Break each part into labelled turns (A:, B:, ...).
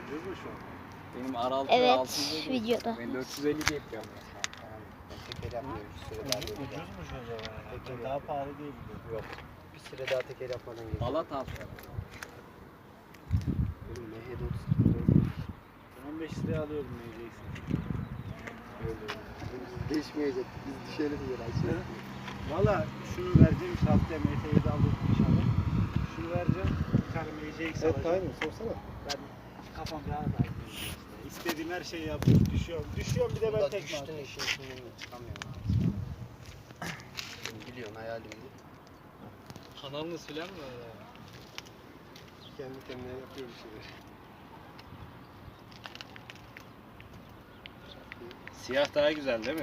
A: Ucuz mu şu an?
B: Benim R6
C: Evet,
B: 650.
C: videoda.
B: Ben 450 diye yapıyorum.
D: Teker yapmıyorum bir süre daha.
A: Ucuz mu şu an?
D: Teker
A: Daha pahalı değil mi?
D: Yok. Bir süre daha teker yapmadan geliyor.
B: Balat abi.
D: Oğlum MHD
A: 15 liraya alıyorum yiyeceksin.
D: Değişmeyecek. Biz düşelim diyor Ayşe.
A: Valla şunu vereceğim işte haftaya MT'yi de alırım inşallah. Şunu vereceğim. Bir tane MCX
D: Evet
A: alacağım.
D: aynı sorsana.
A: Ben kafam rahat aydın. İstediğim her şeyi yapıyorum. Düşüyorum bir de ben tekme
D: düştün
A: atıyorum.
D: işin içinden çıkamıyorum. Biliyorsun hayalimdi.
B: Kanalınız filan mı?
D: Kendi kendine yapıyor bir şeyler.
B: Siyah daha güzel değil mi?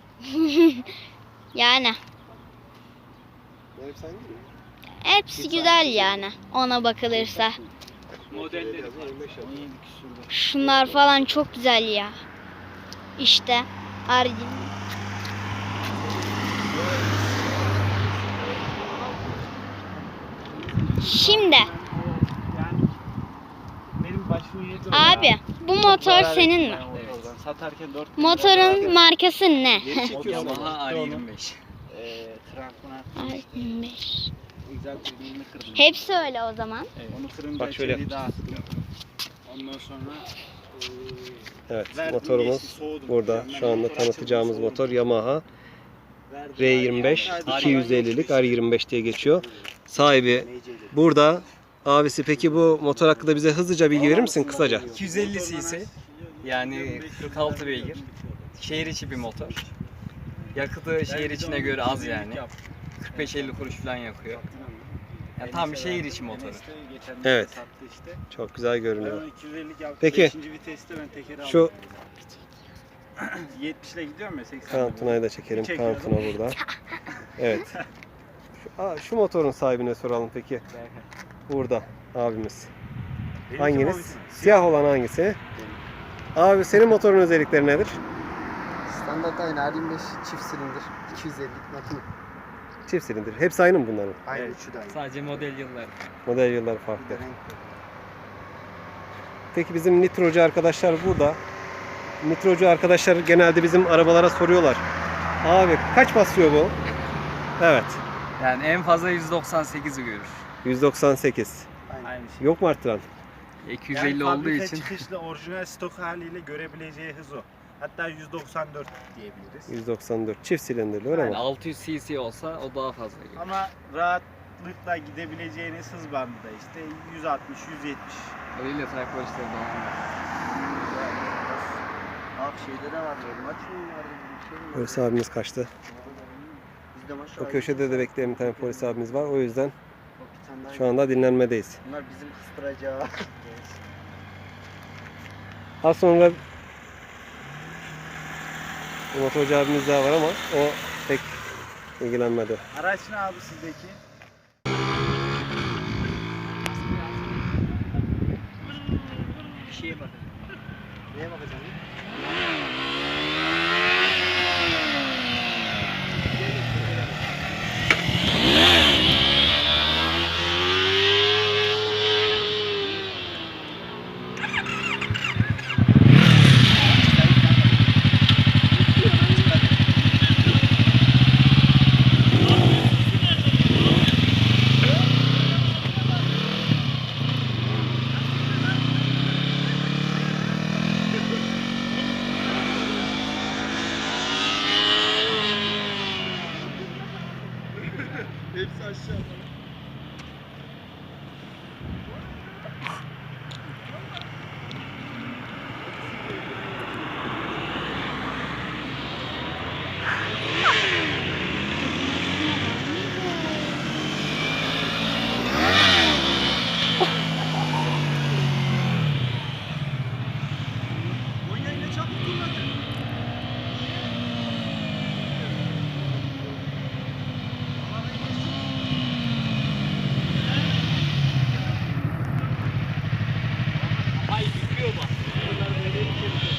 C: Yani.
D: Benim sen gibi.
C: Hepsi güzel yani. Ona bakılırsa.
B: Modelleri
D: Biraz 25 yapıyor.
B: 17 küsürde.
C: Şunlar falan çok güzel ya. İşte. Arjin. Şimdi.
A: Yani benim başımı yedi o
C: Abi
A: ya.
C: bu motor senin mi?
A: Motordan satarken 4
C: Motorun markası ne?
B: Yamaha R25.
A: Trankuna
C: R25.
A: güzel birini kırdım.
C: Hepsi öyle o zaman.
A: Onu kırınca
D: Bak şöyle
A: içeri dağıttım. Ondan sonra
D: Evet
A: verdim,
D: motorumuz
A: geçti, soğudum.
D: burada.
A: Yani
D: Şu anda
A: motor
D: tanıtacağımız
A: açıldı,
D: motor
A: soğudum.
D: Yamaha
A: Verdim,
D: R25
A: verdim.
D: 250'lik R25 diye geçiyor. Sahibi burada. Abisi peki bu motor hakkında bize hızlıca bilgi verir misin kısaca?
B: 250 cc. Yani 46 beygir. Şehir içi bir motor. Yakıtı şehir içine göre az yani. 45-50 kuruş falan yakıyor. Yani tam bir şehir içi motoru.
D: Evet.
A: Sattı işte.
D: Çok güzel
A: Ben
D: görünüyor.
A: onu 250'lik yaptım.
D: Peki.
A: 5. viteste ben tekeri aldım.
D: Şu
A: 70 ile gidiyorum ya 80.
D: Kaan Tuna'yı da çekelim. Kaan
A: Çekiyorum.
D: Tuna burada. Evet. Şu motorun sahibine soralım peki. Burada abimiz. Hanginiz? Siyah olan hangisi? Abi senin motorun özellikleri nedir? Standart aynı R25 çift silindir 250'lik makine. Çift silindir. Hepsi aynı mı bunların? Aynı
B: Evet.
D: üçü de aynı.
B: Sadece model yılları.
D: Model yılları farklı. Bir de renk. Peki bizim nitrocu arkadaşlar burada. Nitrocu arkadaşlar genelde bizim arabalara soruyorlar. Abi kaç basıyor bu? Evet.
B: Yani en fazla 198'i görür.
D: 198.
A: Aynı şey.
D: Yok mu arttıran?
B: 250 olduğu
A: fabrika
B: için
A: çıkışlı orijinal stok haliyle görebileceği hız o. Hatta 194 diyebiliriz.
D: 194. Çift silindirli öyle
B: yani
D: mi?
B: 600 cc olsa o daha fazla görür.
A: Ama rahatlıkla gidebileceğiniz hız bandı da işte 160, 170.
B: Öyle type polisleri de var.
D: Abi şeyde de var böyle. Maç mı vardı? Bir şey mi? Polis abimiz kaçtı. Bizde maşallah. O köşede de bekleyen bir tane polis abimiz var. O yüzden şu anda dinlenmedeyiz. Bunlar bizim kıstıracağı. Az sonra bir motorcu abimiz daha var ama o pek ilgilenmedi.
A: Araç ne abi sizdeki?
B: Bir şeye bakın.
D: Neye bakacaksın?
A: Hepsi aşağıda. Ay bitiyor bak. Bunlar böyle içeri